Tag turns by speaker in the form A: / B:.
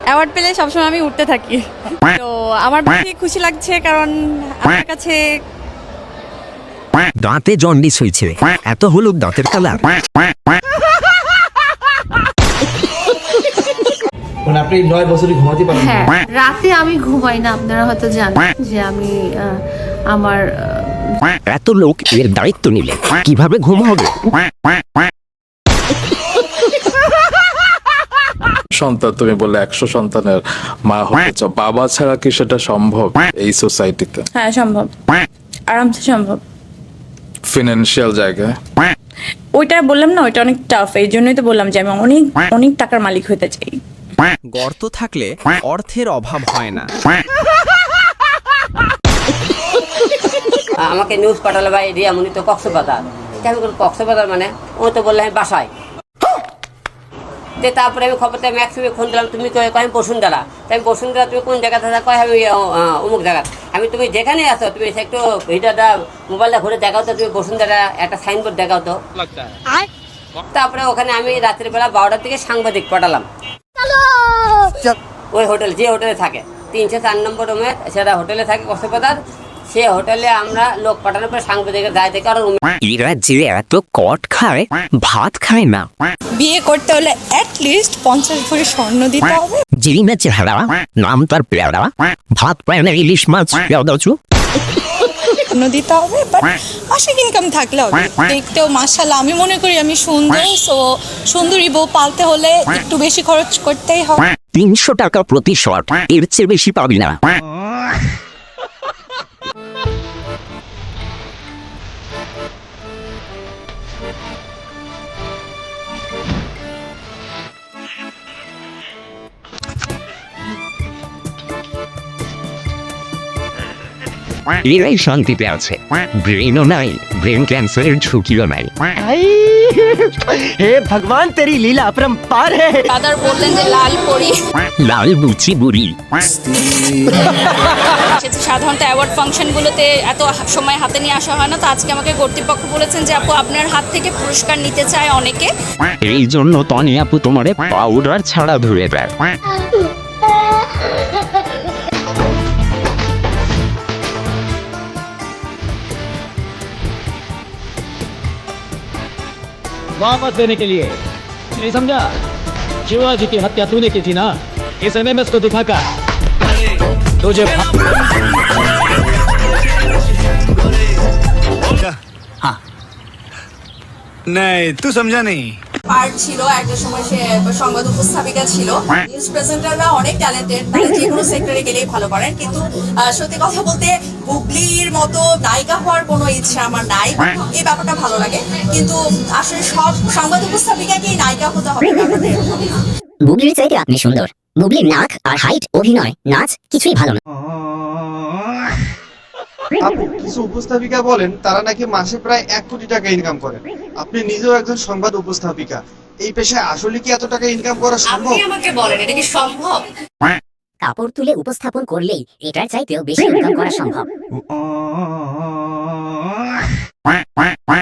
A: Award পেলে সবসময় আমি উঠতে থাকি, তো আমার বেশি খুশি লাগছে কারণ আমার কাছে
B: দাঁতে জন্ডিস হয়েছে, এত হলুদ দাঁতের কালার।
C: মানে আপনি 9 বছরই ঘুমাতে পারেন না?
D: হ্যাঁ, রাতে আমি ঘুমাই না। আপনারা হয়তো জানেন যে আমি আমার
B: এত লোক এর দায়িত্ব নিলে কিভাবে ঘুম হবে?
E: সন্তান তুমি বললে 100 সন্তানের মা হতে চাও, বাবা ছাড়া কি সেটা সম্ভব এই সোসাইটিতে?
A: হ্যাঁ সম্ভব, আরামসে সম্ভব।
E: ফিনান্সিয়াল জায়গায়
A: ওইটা বললাম না, ওইটা অনেক টাফ, এই জন্যই তো বললাম যে আমি অনেক অনেক টাকার মালিক হতে চাই।
F: গর্ত থাকলে অর্থের অভাব হয় না।
G: আমাকে নিউজ পাঠালো ভাই রিয়ামণি তো কক্সবাজার। আমি বলি কক্সবাজার মানে? ও তো বললে আমি বাসায়। তারপরে আমি খবরটা ম্যাক্সিমে ফোন দিলাম, তুমি কয় আমি বসুন্ধরা। তাই আমি বসুন্ধরা, তুমি কোন জায়গাতে কয় আমি অমুক জায়গা। আমি তুমি যেখানে আছো তুমি একটু ভিডিওটা মোবাইলটা ঘুরে দেখাও তো, তুমি বসুন্ধরা একটা সাইনবোর্ড দেখাও তো। তারপরে ওখানে আমি রাত্রিবেলা 12টার দিকে সাংবাদিক পাঠালাম ওই হোটেল, যে হোটেলে থাকে 304 নম্বর রুমে, সেটা হোটেলে থাকে কক্সবাজার। সে হোটেলে আমরা লোক পাঠানোর পরে সাংবাদিকের দায় থেকে আরো
B: এরা যে এত কট খায়, ভাত খায় না।
A: বিয়ে করতে হলে অ্যাটলিস্ট 50 ভরি স্বর্ণ দিতে হবে।
B: যিনি না চেহারা, নাম তার পেয়ারা, ভাত পায় না ইলিশ মাছ
A: স্বর্ণ দিতে হবে, বাট মাসিক ইনকাম থাকলে হবে। দেখতেও মাশাআল্লাহ আমি মনে করি আমি সুন্দর, সো সুন্দরী বউ পালতে হলে একটু বেশি খরচ করতেই হবে।
B: 300 টাকা প্রতি শট, এর চেয়ে বেশি পাবি না। এরাই শান্তিতে আছে, ব্রেনও নাই, ব্রেন ক্যান্সারের ঝুঁকিও নাই।
F: হে ভগবান, তেরি লীলা अपरंपार है।
A: ফাদার বললেন যে লাল পরি
B: লাল বুচি বুড়ি।
A: সাধারণত অ্যাওয়ার্ড ফাংশনগুলোতে এত সময় হাতে নিয়ে আসা হয় না, তো আজকে আমাকে কর্তৃপক্ষ বলেছেন যে আপু আপনার হাত থেকে পুরস্কার নিতে চায় অনেকে।
B: এই জন্য তনি আপু তোমারে পাউডার ছাড়া ধরে দেয়।
H: वापस देने के लिए नहीं समझा? शिवाजी की हत्या तूने की थी ना, इस एमएमएस को दिखाकर तुझे
I: हाँ नहीं तू समझा नहीं।
J: পার্ট ছিল একটা সময়, সে সংবাদ উপস্থাপিকা ছিল। নিউজ প্রেজেন্টাররা অনেক ট্যালেন্টেড, তারা যে কোনো সেক্টরে গেলেই ভালো পারেন, কিন্তু সত্যি কথা বলতে বুবলির মতো নায়িকা হওয়ার কোনো ইচ্ছা আমার নাই। এই ব্যাপারটা ভালো লাগে, কিন্তু আসলে সব সংবাদ উপস্থাপিকাকেই নায়িকা হতে হবে ব্যাপারটা এরকম না।
K: বুবলির চাইতে আপনি সুন্দর। বুবলির নাক আর হাইট, অভিনয়, নাচ কিছুই ভালো না।
C: আপু কিছু উপস্থাপিকা বলেন তারা নাকি মাসে প্রায় 1 কোটি টাকা ইনকাম করেন। আপনি নিজেও একজন সংবাদ উপস্থাপিকা, এই পেশায় আসলে কি এত টাকা ইনকাম করা সম্ভব?
J: আপনি আমাকে বলেন এটা কি সম্ভব?
K: কাপড় তুলে উপস্থাপন করলেই এটার চাইতেও বেশি ইনকাম করা সম্ভব।